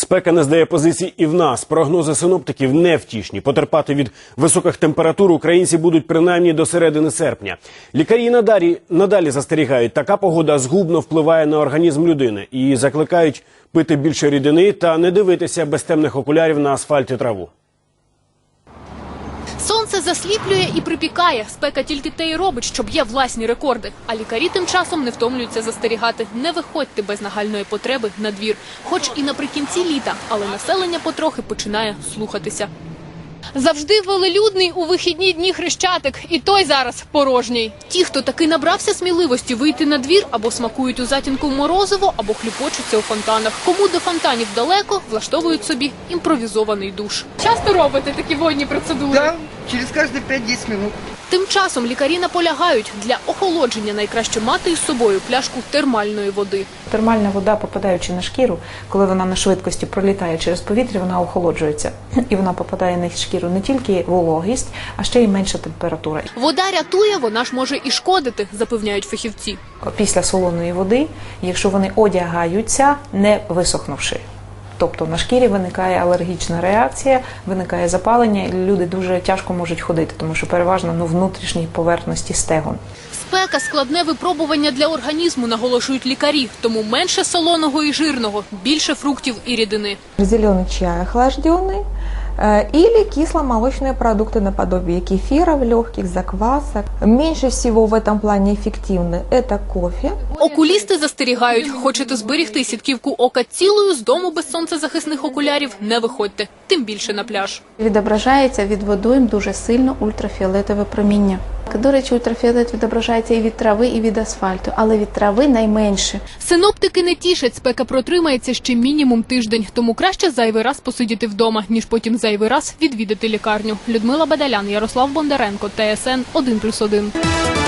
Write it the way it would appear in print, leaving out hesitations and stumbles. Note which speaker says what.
Speaker 1: Спека не здає позицій і в нас. Прогнози синоптиків невтішні. Потерпати від високих температур українці будуть принаймні до середини серпня. Лікарі надалі застерігають, така погода згубно впливає на організм людини і закликають пити більше рідини та не дивитися без темних окулярів на асфальт і траву.
Speaker 2: Сонце засліплює і припікає. Спека тільки те й робить, що б'є власні рекорди. А лікарі тим часом не втомлюються застерігати. Не виходьте без нагальної потреби на двір. Хоч і наприкінці літа, але населення потрохи починає слухатися. Завжди велелюдний у вихідні дні Хрещатик, і той зараз порожній. Ті, хто таки набрався сміливості вийти на двір, або смакують у затінку морозиво, або хлюпочуться у фонтанах. Кому до фонтанів далеко, влаштовують собі імпровізований душ. Часто робите такі водні процедури?
Speaker 3: Да, через каждые 5-10 минут.
Speaker 2: Тим часом лікарі наполягають, для охолодження найкраще мати із собою пляшку термальної води.
Speaker 4: Термальна вода, попадаючи на шкіру, коли вона на швидкості пролітає через повітря, вона охолоджується. І вона попадає на шкіру не тільки вологість, а ще й менша температура.
Speaker 2: Вода рятує, вона ж може і шкодити, запевняють фахівці.
Speaker 4: Після солоної води, якщо вони одягаються, не висохнувши. Тобто на шкірі виникає алергічна реакція, виникає запалення, і люди дуже тяжко можуть ходити, тому що переважно внутрішній поверхності стегон.
Speaker 2: Спека – складне випробування для організму, наголошують лікарі. Тому менше солоного і жирного, більше фруктів і рідини.
Speaker 5: Зеленый чай охлажденный или кисломолочные продукты наподобие кефира, легких заквасок. Меньше всего в этом плане эффективны это кофе.
Speaker 2: Окулісти застерігають, хочете зберегти сітківку ока цілою, з дому без сонцезахисних окулярів не виходьте, тим більше на пляж.
Speaker 6: Відображається від водойм дуже сильно ультрафіолетове проміння. До речі, ультрафіолет відображається і від трави, і від асфальту, але від трави найменше.
Speaker 2: Синоптики не тішать, спека протримається ще мінімум тиждень, тому краще зайвий раз посидіти вдома, ніж потім зайвий раз відвідати лікарню. Людмила Бадалян, Ярослав Бондаренко, ТСН 1+1.